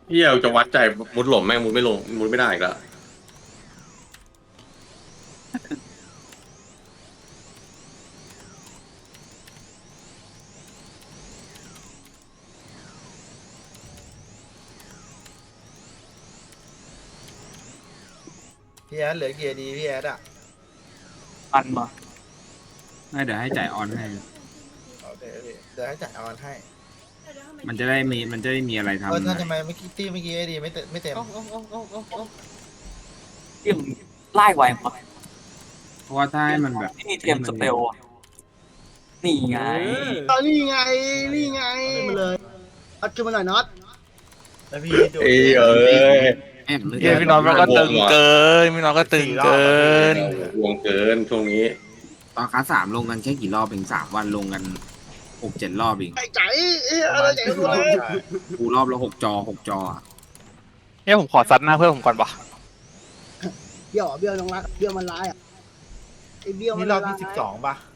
เฮียจะวัดใจมุดหล่มแม่งมุดไม่ลงมุดไม่ได้อีกแล้วพี่แอดเหลือเกียร์ดีพี่แอดอ่ะปันมาไม่เดี๋ยวให้จ่ายออนให้โอเคพี่เดี๋ยวให้จ่ายออนให้มันจะได้มีอะไรทำท่านนะทำไมเมื่อกี้ตี้เมื่อกี้ไอ้ดีไม่เต็มที่มงไล่ไวมาเพราะว่าถ้าให้มันแบบนี่เทียมสเปลอะนี่ไงนี่ไงนี่ไงมาเลยอัดขึ้นมาหน่อยน็อตแล้วพี่ดูเอ้ยเอ้ยแอบเลยเฮียพี่น้องมันก็ตึงเกินพี่น้องก็ตึงเกินวงเกินช่วงนี้ตอนคลาส3ลงกันแค่กี่รอบเอง3 วันลงกัน6-7 รอบเองไอ้ใจอะไรใจกูเลยกูรอบละ6 จออะเฮียผมขอซัดหน้าเพื่อนผมก่อนปะเบี้ยวเบี้ยวน้องรักเบี้ยวมันร้ายอ่ะไอ้เบี้ยวมันี่นรร้าอย บที่12ป่ะ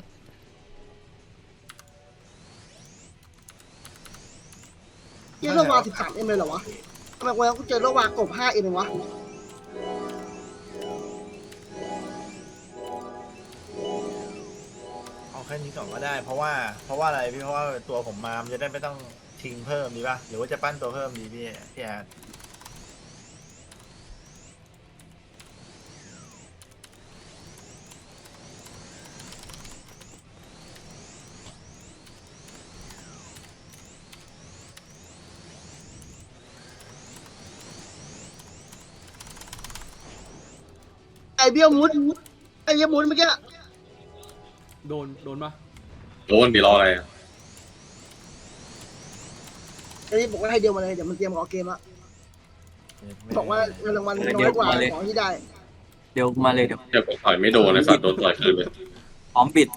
เยี่ยโลวา13 เอ็มเลยเหรอวะทำไมวันกูเจอโลวากบ5 เอ็มเองวะเอาแค่นี้ก่อนก็ได้ เพราะว่าอะไรพี่เพราะว่าตัวผมมามันจะได้ไม่ต้องทิ้งเพิ่มดีป่ะหรือว่าจะปั้นตัวเพิ่มดีพี่แอดไอ้เบี้ยวมุดไอ้เบี้ยวมุดเมื่อกี้โดนปะโดนดีรออะไรอะไอ้นี่บอกว่าให้เดียวมาเลยเดี๋ยวมันเตรียมรอเกมละบอกว่าเงินรางวัลน้อยกว่าของที่ได้เดี๋ยวมาเลยเดี๋ยวเดี๋ยวต่อยไม่โดนเลยสัตว์โดนต่อยคืนเลยพร้อมบิด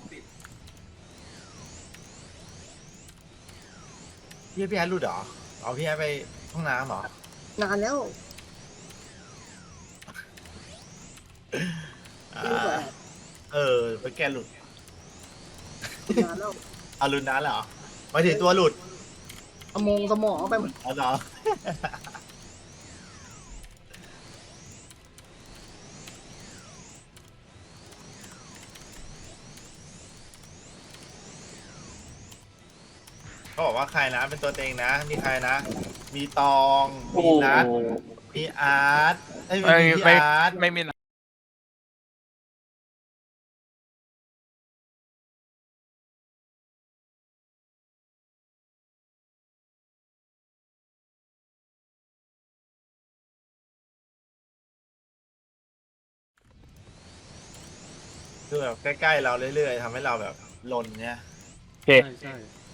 พี่แอดรู้เหรอเอาพี่แอดไปห้องน้ำเหรอนานแล้วอ่ารู้แบบไปแกหลุดนานแล้วเอาหลุดนั้นเหรอหมายถึงตัวหลุดเอามงสมองไปหมดอ๋อเหรอ เขาบอกว่าใครนะเป็นตัวเต็งนะ มีใครนะ มีตองโอ้มีนัทมีอาร์ตไม่มีพี่อาร์ตไม่มีนะคือแบบใกล้ๆเราเรื่อยๆทำให้เราแบบลนเนี่ยโอเคใช่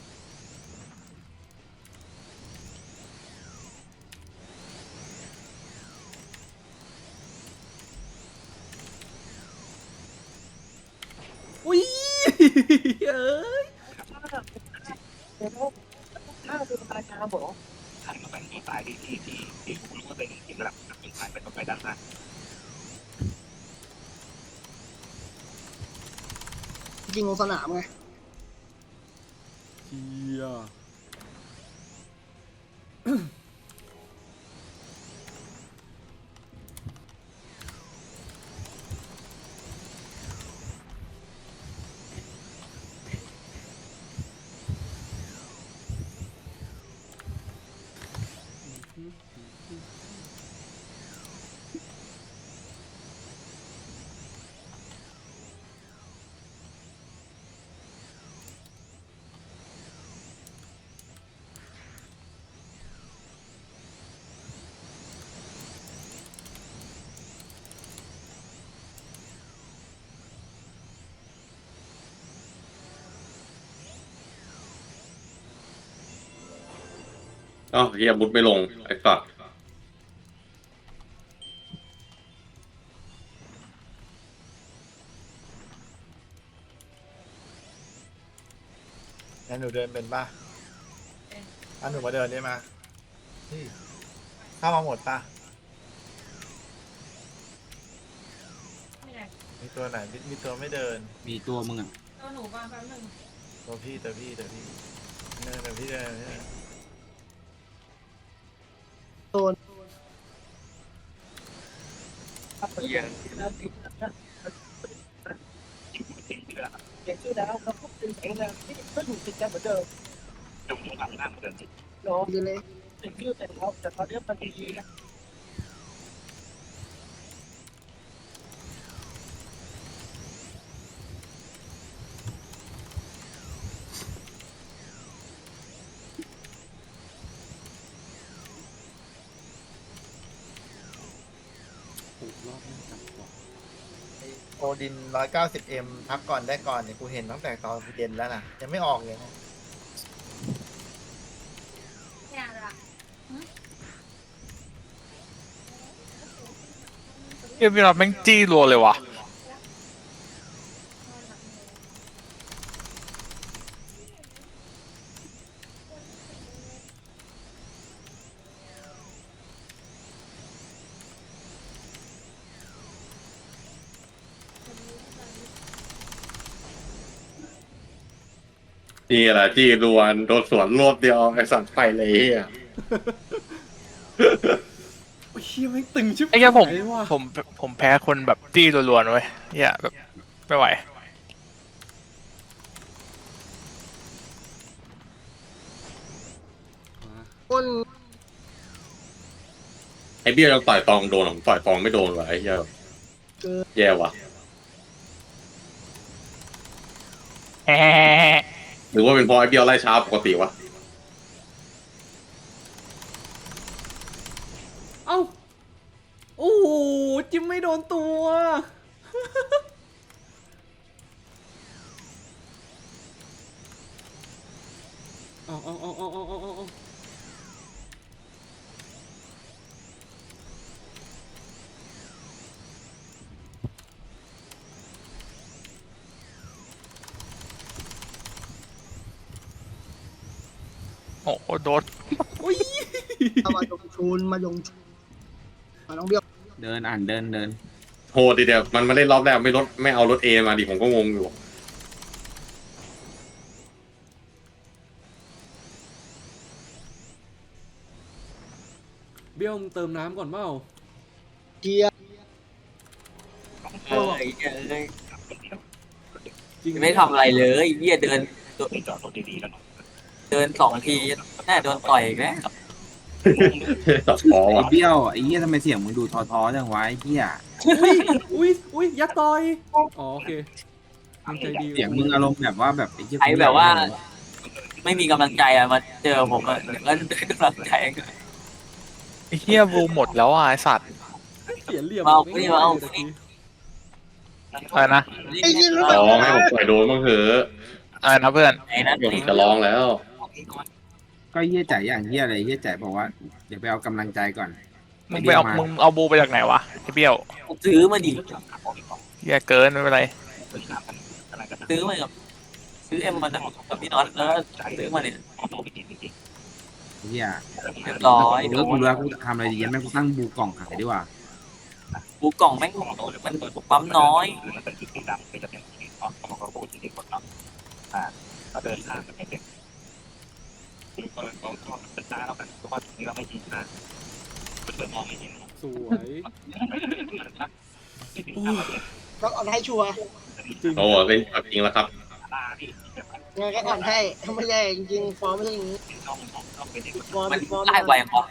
อุ้ยเอ้ยจริงลงสนามไงเฮียอ๋อเฮียมุดไม่ลงไอ้สัตว์งั้นหนูเดินเป็นป่ะหนูมาเดินได้มานี่เข้ามาหมดป่ะมีตัวไหนมีตัวไม่เดินมีตัวมึงอ่ะตัวหนูมาแป๊บนึงตัวพี่เดินเดินพี่เดินโดนเหี้ยดีเลยโอดิน 190M พักก่อนได้ก่อนเนี่ยกูเห็นตั้งแต่ตอนเย็นแล้วนะยังไม่ออกเลยนะเฮียพี่น็อตแม่งจี้รัวเลยว่ะนี่แหละที่รวนโดนสวนรวบเดียวไอ้สัตว์ไปเลยเฮียโอ้ยเฮียไม่งตึงชิบไอ้แค่ผมหายว่ะผมแพ้คนแบบจี้รัวๆนะเว้ยเฮียแบบไม่ไหวคนไอ้เบี้ยยังต่อยตองโดนผมต่อยตองไม่โดนว่ะไอ้เหี้ยแย่ว่ะแฮะหรือว่าเป็นเพราะไอ้เบี้ยไล่ช้าปกติวะเอ้าโอ้โหจิ้มไม่โดนตัวเอาโอ้โหโดนโอ้ยเอามายงชูนมายงชูนมาน้องเบี้ยวเดินอ่านเดินเดินโหดดีเดียวมันเล่นรอบแรกไม่เอารถเอมาดิผมก็งงอยู่เบี้ยวมึงเติมน้ำก่อนเปล่าเกียร์เออไอ้เหี้ยเอ้ยจริงไม่ทำอะไรเลยเหี้ยเดินสองทีแน่โดนต่อยอีกแล้วตัดคอไอ้ว่ะเบี้ยวไอ้เหี้ยทำไมเสียงมึงดูท้อๆจังวะไอ้เหี้ยอุ้ยยัดต่อยอ๋อโอเคมึงใจดีเสียงมึงอารมณ์แบบว่าแบบไอ้เหี้ยไอ้แบบว่า ไม่มีกำลังใจอะมาเจอผมอะเดี๋ยวก็ได้กำลังใจไอ้เฮียบูหมดแล้วอ่ะไอ้สัตว์เสียเหลี่ยมเอาไม่เอาได้อะไรนะไอ้ยี่รู้ร้องให้ผมต่อยโดนบ้างเถอะอะไรนะเพื่อนไอ้นั่นเดี๋ยวผมจะร้องแล้วก็เหี้ยใจอย่างเหี้ยอะไรเหี้ยใจบอกว่าเดี๋ยวไปเอากำลังใจก่อนมึงเอาบูไปจากไหนวะไอ้เบี้ยวซื้อมาดิเฮียเกินไม่เป็นไรซื้อมากับซื้อเอ็มมาจากกับพี่น็อตแล้วซื้อมาเนี่ยเหี้ยเรียบร้อยกูเลิกกูรู้แล้วกูทำอะไรดีแม่งกูตั้งบูกล่องขายดีกว่าบูกล่องแม่งมันปั๊มน้อยสวยโอ้ยก็อ่อนให้ชัวร์จริงโอ้เล่นจริงแล้วครับไงก็อ่อนให้ถ้าไม่ได้จริงๆฟอร์มไม่ใช่อย่างนี้ฟอร์มมันฟอร์มไล่ไวพอ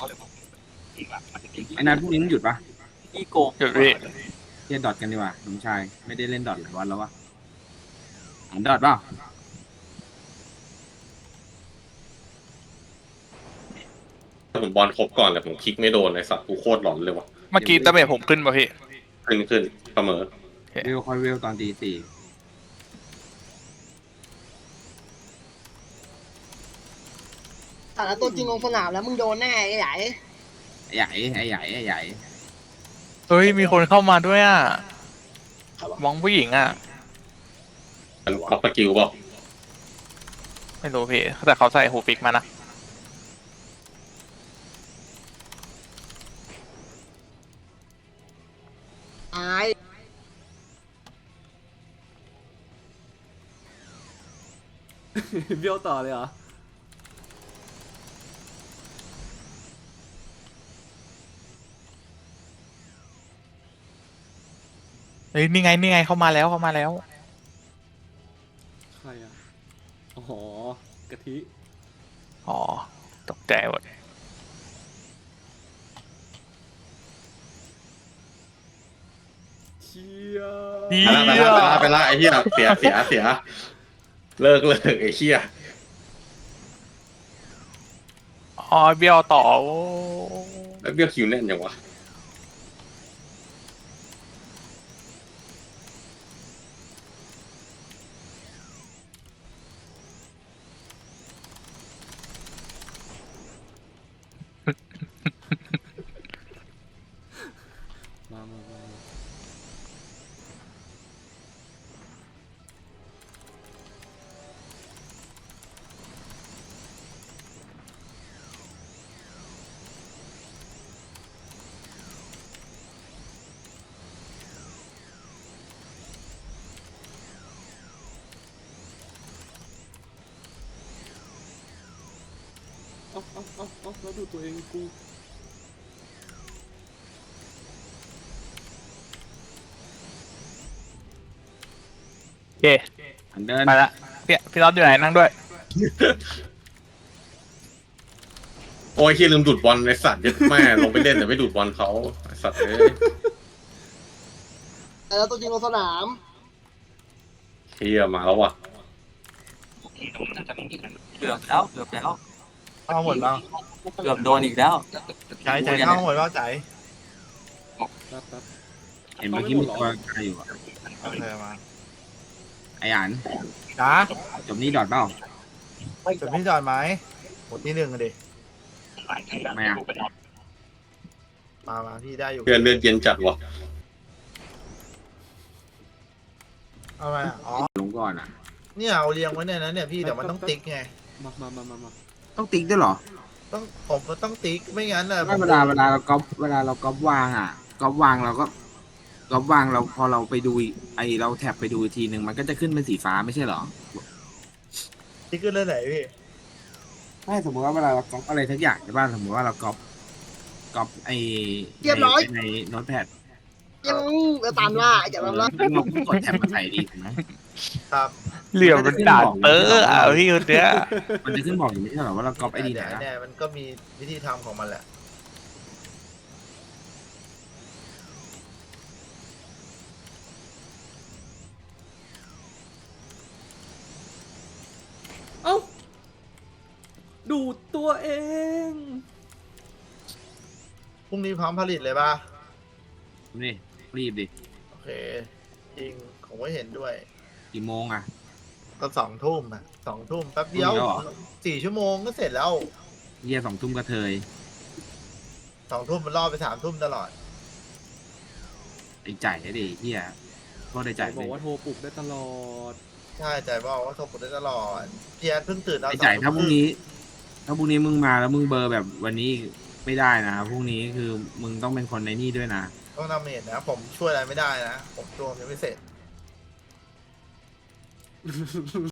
ไอ้นัทพวกนี้มึงหยุดปะพี่โกงหยุดพี่เล่นดอทกันดีกว่าน้องชายไม่ได้เล่นดอทหลายวันแล้ววะอ่านดอทเปล่าถ้าผมบอลครบก่อนแต่ผมคลิกไม่โดนไอ้สัตว์กูโคตรหลอนเลยว่ะเมื่อกี้ตะเมจผมขึ้นป่ะพี่ขึ้นเสมอเวลค่อยเวลตอนตีสี่แต่ละตัวจริงลงสนามแล้วมึงโดนแน่ไอ้ใหญ่ไอ้ใหญ่ไอ้ใหญ่ไอ้ใหญ่เฮ้ยมีคนเข้ามาด้วยอ่ะครับผมมองผู้หญิงอ่ะมันล็อกสกิลเปล่าไม่รู้พี่แต่เขาใส่หูฟิกมานะตายเบี้ยวต่อเลยเหรอเฮ้ยนี่ไงเข้ามาแล้วใครอ่ะอ๋อกะทิอ๋อตกใจหมดเชี่ยเหี้ไปละไอ้เหี้ยเสียเลิกไอ้เหี้ยอ๋อเบี้ยวต่อโอ้แล้วเบี้ยคิวแน่นยังวะมา เอาแล้วดูตัวเองกูโอเคอันเดินไปละพี่น็อตอยู่ไหนนั่งด้วยโอ้ยเหี้ยลืมดูดบอลไอ้สัตว์ยัดแม่ลงไปเล่นแต่ไม่ดูดบอลเขาไอ้สัตว์เอ้ยแล้วตัวจริงลงสนามเหี้ยมาแล้วว่ะเกือบแล้วเอาหมดแล้วเกือบโดนอีกแล้วใจเอาหมดแล้วใจแป๊บเห็นเมื่อกี้มีตัวใครอยู่อะโอเคมาไอ้อันจ้าจบนี่ดอดเปล่าจุดพี่จอดไหมหมดที่หนึ่งอะดิไม่อะมาพี่ได้อยู่เพื่อนเลือดเย็นจัดว่ะเอาไงอะอ๋อลงก่อนอ่ะเนี่ยเอาเรียงไว้เนี่ยนะเนี่ยพี่แต่มันต้องติ๊กไงมาต้องติ๊กด้วยเหรอผมก็ต้องติ๊กไม่งั้นอ่ะไม่เวลาเราก๊อปวางอ่ะก๊อปวางเราก็ก๊อปวางเราพอเราไปดูเราแท็บไปดูอีกทีหนึ่งมันก็จะขึ้นเป็นสีฟ้าไม่ใช่เหรอติ๊กขึ้นเรื่องไหนพี่ไม่สมมติว่าเวลาเราก๊อปอะไรทักอย่างใช่ป่ะสมมติว่าเราก๊อปในโน้ตแพดยังจะตามล่าอย่าตามล่าเราก็กดแท็บมาใส่ดีถูกไหมครับเหลี่ยมมันด่าเตอร์อ่ะพี่คนเนี้ยมันจะขึ้นบอกอยู่ไม่ใช่เหรอว่าเราก๊อปไอดีไหนเนี่ยมันก็มีวิธีทำของมันแหละเอ้าดูตัวเองพรุ่งนี้พร้อมผลิตเลยป่ะนี่รีบดิโอเคจริงผมก็เห็นด้วยกี่โมงอ่ะก็2 ทุ่มอ่ะ2 ทุ่มแป๊บเดียวพรุ่งนี้เหรอ 4 ชั่วโมงก็เสร็จแล้วเยี่ย2 ทุ่มกระเทย 2 ทุ่มมันล่อไป3 ทุ่มตลอดไอ้จ่ายดิเฮียก็ได้จ่ายบอกว่าโทรปลุกได้ตลอดใช่ใจบอกว่าโทรกดได้ตลอดพี่แอดเพิ่งตื่นเอาไอ้จ่าย 2 ถ้าพรุ่งนี้มึงมาแล้วมึงเบอร์แบบวันนี้ไม่ได้นะพรุ่งนี้คือมึงต้องเป็นคนในนี่ด้วยนะต้องทำเห็นนะ ผมช่วยอะไรไม่ได้นะ ผมตัวผมยังไม่เสร็จ